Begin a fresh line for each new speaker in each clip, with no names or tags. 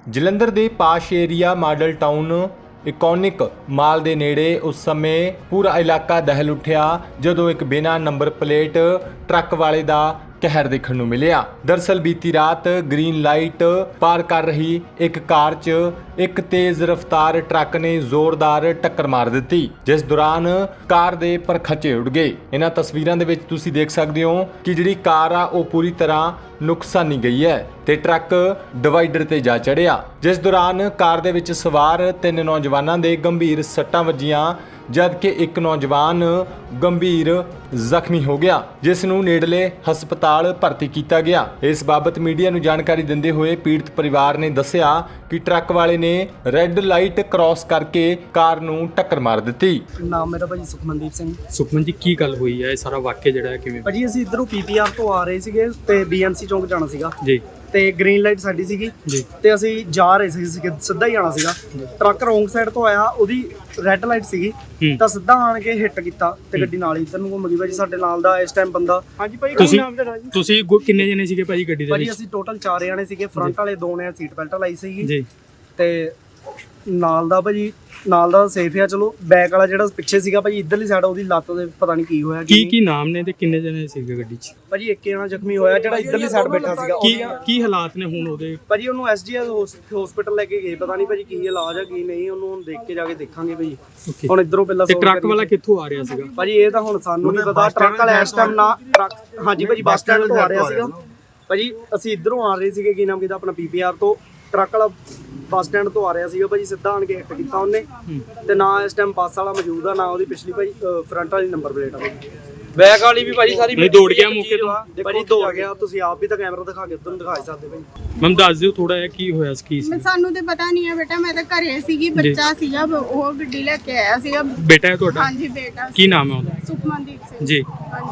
ਜਲੰਧਰ ਦੇ posh area Model Town Iconic Mall ਦੇ ਨੇੜੇ ਉਸ ਸਮੇਂ ਪੂਰਾ ਇਲਾਕਾ ਦਹਿਲ ਉੱਠਿਆ ਜਦੋਂ ਇੱਕ ਬਿਨਾਂ ਨੰਬਰ ਪਲੇਟ ਟਰੱਕ ਵਾਲੇ ਦਾ ਕਹਿਰ ਦੇਖਣ ਨੂੰ ਮਿਲਿਆ। ਦਰਅਸਲ ਬੀਤੀ ਰਾਤ ਗ੍ਰੀਨ ਲਾਈਟ ਪਾਰ ਕਰ ਰਹੀ ਇੱਕ ਕਾਰ 'ਚ ਇੱਕ ਤੇਜ਼ ਰਫ਼ਤਾਰ ਟਰੱਕ ਨੇ ਜ਼ੋਰਦਾਰ ਟੱਕਰ ਮਾਰ ਦਿੱਤੀ, ਜਿਸ ਦੌਰਾਨ ਕਾਰ ਦੇ ਪਰਖਚੇ ਉੱਡ ਗਏ। ਇਹਨਾਂ ਤਸਵੀਰਾਂ ਦੇ ਵਿੱਚ ਤੁਸੀਂ ਦੇਖ ਸਕਦੇ ਹੋ ਕਿ ਜਿਹੜੀ ਕਾਰ ਆ ਉਹ ਪੂਰੀ ਤਰ੍ਹਾਂ ਨੁਕਸਾਨੀ ਗਈ ਹੈ ਤੇ ਟਰੱਕ ਡਿਵਾਈਡਰ ਤੇ ਜਾ ਚੜਿਆ, ਜਿਸ ਦੌਰਾਨ ਕਾਰ ਦੇ ਵਿੱਚ ਸਵਾਰ 3 ਨੌਜਵਾਨਾਂ ਦੇ ਗੰਭੀਰ ਸੱਟਾਂ ਵੱਜੀਆਂ, ਜਦਕਿ ਇੱਕ ਨੌਜਵਾਨ ਗੰਭੀਰ ਜ਼ਖਮੀ ਹੋ ਗਿਆ, ਜਿਸ ਨੂੰ ਨੇੜਲੇ ਹਸਪਤਾਲ ਭਰਤੀ ਕੀਤਾ ਗਿਆ। ਇਸ ਬਾਬਤ ਮੀਡੀਆ ਨੂੰ ਜਾਣਕਾਰੀ ਦਿੰਦੇ ਹੋਏ ਪੀੜਤ ਪਰਿਵਾਰ ਨੇ ਦੱਸਿਆ ਕਿ ਟਰੱਕ ਵਾਲੇ ਨੇ ਰੈੱਡ ਲਾਈਟ ਕ੍ਰਾਸ ਕਰਕੇ ਕਾਰ ਨੂੰ ਟੱਕਰ ਮਾਰ ਦਿੱਤੀ।
ਨਾਮ ਮੇਰਾ ਭਾਜੀ ਸੁਖਮਨਦੀਪ ਸਿੰਘ।
ਸੁਖਮਨ ਜੀ, ਕੀ ਗੱਲ ਹੋਈ ਹੈ? ਇਹ ਸਾਰਾ ਵਾਕਿਆ ਜਿਹੜਾ ਹੈ ਕਿਵੇਂ?
ਭਾਜੀ ਅਸੀਂ ਇਧਰੋਂ ਪੀਪੀਆਰ ਤੋਂ ਆ ਰਹੇ ਸੀਗੇ ਤੇ ਬੀਐਮਸੀ ਚੌਂਕ ਜਾਣਾ ਸੀਗਾ
ਜੀ
ਤੇ ਗ੍ਰੀਨ ਲਾਈਟ ਸਾਡੀ ਸੀਗੀ
ਜੀ
ਤੇ ਅਸੀਂ ਜਾ ਰਹੇ ਸੀ ਸਿੱਧਾ ਹੀ ਜਾਣਾ ਸੀਗਾ। ਟਰੱਕ ਰੋਂਗ ਸਾਈਡ ਤੋਂ ਆਇਆ, ਉਹਦੀ ਰੈੱਡ ਲਾਈਟ ਸੀਗੀ ਤਾਂ ਸਿੱਧਾ ਆਣ ਕੇ ਹਿੱਟ ਕੀਤਾ ਤੇ ਗੱਡੀ ਨਾਲ ਹੀ ਇੱਧਰ ਨੂੰ ਘੁੰਮ ਗਈ। ਭਾਜੀ ਸਾਡੇ ਨਾਲ ਦਾ ਇਸ ਟਾਈਮ ਬੰਦਾ। ਹਾਂਜੀ ਭਾਜੀ,
ਤੁਸੀਂ ਕਿੰਨੇ ਜਣੇ ਸੀਗੇ ਭਾਜੀ ਗੱਡੀ ਦੇ ਵਿੱਚ?
ਭਾਜੀ ਅਸੀਂ ਟੋਟਲ 4 ਜਣੇ ਸੀਗੇ। ਫਰੰਟ ਵਾਲੇ 2 ਨੇ ਸੀਟ ਬੈਲਟ ਲਾਈ ਸੀਗੀ
ਜੀ
ਤੇ ਨਾਲ ਦਾ ਭਾਜੀ ਨਾਲ ਦਾ ਸੇਫ ਆ। ਚਲੋ ਬੈਕ ਵਾਲਾ ਜਿਹੜਾ ਪਿੱਛੇ ਸੀਗਾ ਭਾਜੀ ਇੱਧਰਲੀ ਸਾਈਡ, ਉਹਦੀ ਲੱਤ ਦੇ ਪਤਾ ਨਹੀਂ ਕੀ ਹੋਇਆ।
ਕੀ ਨਾਮ ਨੇ ਤੇ ਕਿੰਨੇ ਜਣੇ ਸੀਗੇ ਗੱਡੀ 'ਚ?
ਭਾਜੀ ਇੱਕ ਜਣਾ ਜ਼ਖਮੀ ਹੋਇਆ ਜਿਹੜਾ ਇੱਧਰਲੀ ਸਾਈਡ ਬੈਠਾ ਸੀਗਾ।
ਕੀ ਹਾਲਾਤ ਨੇ ਹੁਣ ਉਹਦੇ?
ਭਾਜੀ ਉਹਨੂੰ ਐਸਜੀਐਸ ਹਸਪੀਟਲ ਲੈ ਕੇ ਗਏ, ਪਤਾ ਨਹੀਂ ਭਾਜੀ ਕੀ ਇਲਾਜ ਆ ਕੀ ਨਹੀਂ, ਉਹਨੂੰ ਹੁਣ ਦੇਖ ਕੇ ਜਾ ਕੇ ਦੇਖਾਂਗੇ ਭਾਜੀ। ਹੁਣ ਇੱਧਰੋਂ ਪਹਿਲਾਂ
ਤੇ ਟਰੱਕ ਵਾਲਾ ਕਿੱਥੋਂ ਆ ਰਿਹਾ ਸੀਗਾ?
ਭਾਜੀ ਇਹ ਤਾਂ ਹੁਣ ਸਾਨੂੰ ਨਹੀਂ ਪਤਾ। ਟਰੱਕ ਵਾਲਾ ਇਸ ਟਾਈਮ ਨਾ ਟਰੱਕ, ਹਾਂਜੀ ਭਾਜੀ ਬੱਸ ਸਟੈਂਡ ਤੋਂ ਆ ਰਿਹਾ ਸੀਗਾ। ਭਾਜੀ ਅਸੀਂ ਇੱਧਰੋਂ ਆ ਰਹੇ ਸੀਗੇ, ਕੀ ਨਾਮ ਕਿਹਦਾ ਆਪਣਾ ਪੀਪੀਆਰ ਤੋਂ। ਟਰੱਕ ਵਾਲਾ ਬੱਸ ਸਟੈਂਡ ਤੋਂ ਆ ਰਿਹਾ ਸੀਗਾ ਭਾਜੀ, ਸਿੱਧਾ ਆਣ ਕੇ ਹਿੱਟ ਕੀਤਾ ਉਹਨੇ ਤੇ ਨਾ ਇਸ ਟਾਈਮ ਬੱਸ ਵਾਲਾ ਮੌਜੂਦ ਆ, ਨਾ ਉਹਦੀ ਪਿਛਲੀ ਭਾਜੀ ਫਰੰਟ ਵਾਲੀ ਨੰਬਰ ਪਲੇਟ ਆ। ਬੈਕ ਵਾਲੀ ਵੀ ਭਾਜੀ ਸਾਰੀ
ਦੌੜ ਗਿਆ ਮੌਕੇ ਤੋਂ?
ਭਾਜੀ ਦੌੜ ਗਿਆ। ਤੁਸੀਂ ਆਪ ਵੀ ਤਾਂ ਕੈਮਰਾ ਦਿਖਾ ਕੇ ਉਧਰ ਨੂੰ ਦਿਖਾ ਸਕਦੇ ਭਾਜੀ।
ਮੈਮ ਦੱਸ ਦਿਓ ਥੋੜਾ ਜਿਹਾ ਕੀ ਹੋਇਆ ਸੀ?
ਸਾਨੂੰ ਤੇ ਪਤਾ ਨਹੀਂ ਹੈ ਬੇਟਾ, ਮੈਂ ਤਾਂ ਘਰੇ ਸੀਗੀ, ਬੱਚਾ ਸੀਗਾ, ਉਹ ਗੱਡੀ ਲੈ ਕੇ ਆਇਆ ਸੀਗਾ।
ਬੇਟਾ ਹੈ ਤੁਹਾਡਾ?
ਹਾਂਜੀ ਬੇਟਾ।
ਕੀ ਨਾਮ ਹੈ ਉਹਦਾ?
ਸੁਖਮਨਦੀਪ ਸਿੰਘ
ਜੀ।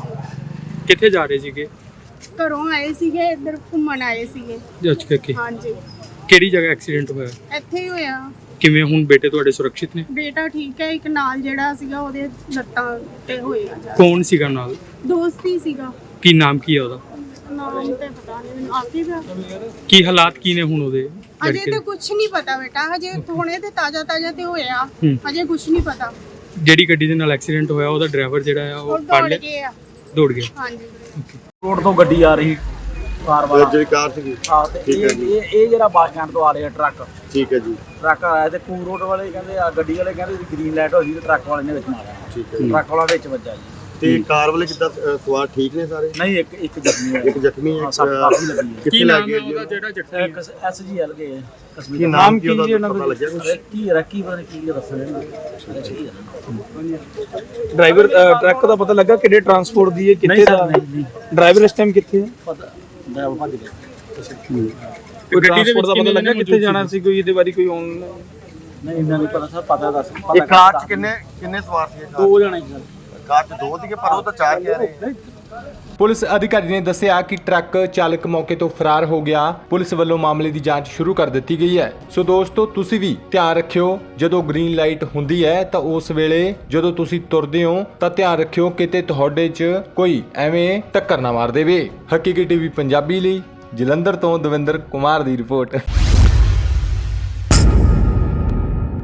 ਹਾਂਜੀ।
ਕਿੱਥੇ ਜਾ ਰਹੇ ਸੀਗੇ?
ਘਰੋਂ ਆਏ ਸੀਗੇ, ਇੱਧਰ ਘੁੰਮਣ ਆਏ ਸੀਗੇ।
ਅੱਛਾ,
ਹਾਂਜੀ।
ਕਿਹੜੀ ਜਗ੍ਹਾ ਐਕਸੀਡੈਂਟ ਹੋਇਆ?
ਇੱਥੇ ਹੀ ਹੋਇਆ।
ਕਿਵੇਂ ਹੁਣ ਬੇਟੇ ਤੁਹਾਡੇ ਸੁਰੱਖਿਅਤ ਨੇ?
ਬੇਟਾ ਠੀਕ ਹੈ, ਇੱਕ ਨਾਲ ਜਿਹੜਾ ਸੀਗਾ ਉਹਦੇ ਲੱਤਾਂ ਤੇ ਹੋਇਆ।
ਕੌਣ ਸੀਗਾ ਨਾਲ?
ਦੋਸਤ ਹੀ ਸੀਗਾ।
ਕੀ ਨਾਮ ਕੀ ਹੈ ਉਹਦਾ?
ਨਾਮ ਤੇ ਪਤਾ ਨਹੀਂ ਮੈਨੂੰ, ਆਪ ਹੀ ਪਿਆ।
ਕੀ ਹਾਲਾਤ ਕੀ ਨੇ ਹੁਣ ਉਹਦੇ?
ਅਜੇ ਤਾਂ ਕੁਝ ਨਹੀਂ ਪਤਾ ਬੇਟਾ, ਹਜੇ ਹੁਣੇ ਤੇ ਤਾਜ਼ਾ ਤੇ ਹੋਇਆ, ਹਜੇ ਕੁਝ ਨਹੀਂ ਪਤਾ।
ਜਿਹੜੀ ਗੱਡੀ ਦੇ ਨਾਲ ਐਕਸੀਡੈਂਟ ਹੋਇਆ ਉਹਦਾ ਡਰਾਈਵਰ ਜਿਹੜਾ ਆ ਉਹ
ਦੌੜ ਗਿਆ।
ਦੌੜ ਗਿਆ?
ਹਾਂਜੀ।
ਰੋਡ ਤੋਂ ਗੱਡੀ ਆ ਰਹੀ ਕਾਰ ਵਾਲਾ,
ਜਿਹੜੀ ਕਾਰ ਸੀਗੀ।
ਹਾਂ ਤੇ ਇਹ ਜਿਹੜਾ ਬੱਸ ਸਟੈਂਡ ਤੋਂ ਆ ਰਿਹਾ ਟਰੱਕ।
ਠੀਕ ਹੈ ਜੀ।
ਟਰੱਕ ਆਇਆ ਤੇ ਕੂ ਰੋਡ ਵਾਲੇ ਕਹਿੰਦੇ ਆ, ਗੱਡੀ ਵਾਲੇ ਕਹਿੰਦੇ ਗ੍ਰੀਨ ਲਾਈਟ ਹੋ ਗਈ ਤੇ ਟਰੱਕ ਵਾਲੇ ਨੇ ਵਿੱਚ ਮਾਰਿਆ।
ਠੀਕ ਹੈ ਜੀ।
ਟਰੱਕ ਵਾਲਾ ਵਿੱਚ ਵੱਜਾ ਜੀ।
ਤੇ ਕਾਰ ਵਾਲੇ ਕਿੱਦਾਂ ਸਵਾਰ ਠੀਕ ਨੇ ਸਾਰੇ?
ਨਹੀਂ, ਇੱਕ ਜ਼ਖਮੀ ਹੈ।
ਇੱਕ ਜ਼ਖਮੀ ਹੈ।
ਸੱਟ ਕਾਫੀ ਲੱਗੀ ਹੈ।
ਕਿੱਥੇ ਲੱਗ ਗਿਆ ਜੀ?
ਉਹਦਾ ਜਿਹੜਾ ਜ਼ਖਮੀ
ਇੱਕ ਐਸਜੀਐਲ ਗਏ
ਕੀ ਨਾਮ ਕੀ ਉਹਦਾ ਪਤਾ ਲੱਗਿਆ ਕੁਝ?
ਰੱਕੀ ਪਤਾ ਨਹੀਂ ਕੀ ਦੱਸਣਾ।
ਡਰਾਈਵਰ ਟਰੱਕ ਦਾ ਪਤਾ ਲੱਗਾ ਕਿਹੜੇ ਟਰਾਂਸਪੋਰਟ ਦੀ ਹੈ, ਕਿੱਥੇ ਦਾ? ਡਰਾਈਵਰ ਇਸ ਟਾਈਮ ਕਿੱਥੇ ਹੈ?
ਪਤਾ ਡਰਾਈਵਰ ਭੱਜ ਗਿਆ।
ਕੋਈ ਟਰਾਂਸਪੋਰਟ ਦਾ ਪਤਾ ਲੱਗਾ ਕਿੱਥੇ ਜਾਣਾ ਸੀ? ਕੋਈ ਇਹਦੇ ਬਾਰੇ ਕੋਈ ਔਨ
ਨਹੀਂ ਇੰਨਾ ਨਹੀਂ ਪਤਾ ਸਰ, ਪਤਾ ਦੱਸ।
ਇਹ ਕਾਰ 'ਚ ਕਿੰਨੇ ਸਵਾਰ ਸੀਗੇ?
2 ਜਣੇ ਸੀ ਸਰ।
ਕਾਰ 'ਚ 2 ਸੀਗੇ ਪਰ ਉਹ ਤਾਂ 4 ਕਹਿ ਰਹੇ।
ਪੁਲਿਸ ਅਧਿਕਾਰੀ ਨੇ ਦੱਸਿਆ ਕਿ ਟਰੱਕ ਚਾਲਕ ਮੌਕੇ ਤੋਂ ਫਰਾਰ ਹੋ ਗਿਆ। ਪੁਲਿਸ ਵੱਲੋਂ ਮਾਮਲੇ ਦੀ ਜਾਂਚ ਸ਼ੁਰੂ ਕਰ ਦਿੱਤੀ ਗਈ ਹੈ। ਸੋ ਦੋਸਤੋ, ਤੁਸੀਂ ਵੀ ਧਿਆਨ ਰੱਖਿਓ, ਜਦੋਂ ਗ੍ਰੀਨ ਲਾਈਟ ਹੁੰਦੀ ਹੈ ਤਾਂ ਉਸ ਵੇਲੇ ਜਦੋਂ ਤੁਸੀਂ ਤੁਰਦੇ ਹੋ ਤਾਂ ਧਿਆਨ ਰੱਖਿਓ ਕਿਤੇ ਤੁਹਾਡੇ 'ਚ ਕੋਈ ਐਵੇਂ ਟੱਕਰ ਨਾ ਮਾਰ ਦੇਵੇ। ਹਕੀਕੀ ਟੀਵੀ ਪੰਜਾਬੀ ਲਈ ਜਲੰਧਰ ਤੋਂ ਦਵਿੰਦਰ ਕੁਮਾਰ ਦੀ ਰਿਪੋਰਟ।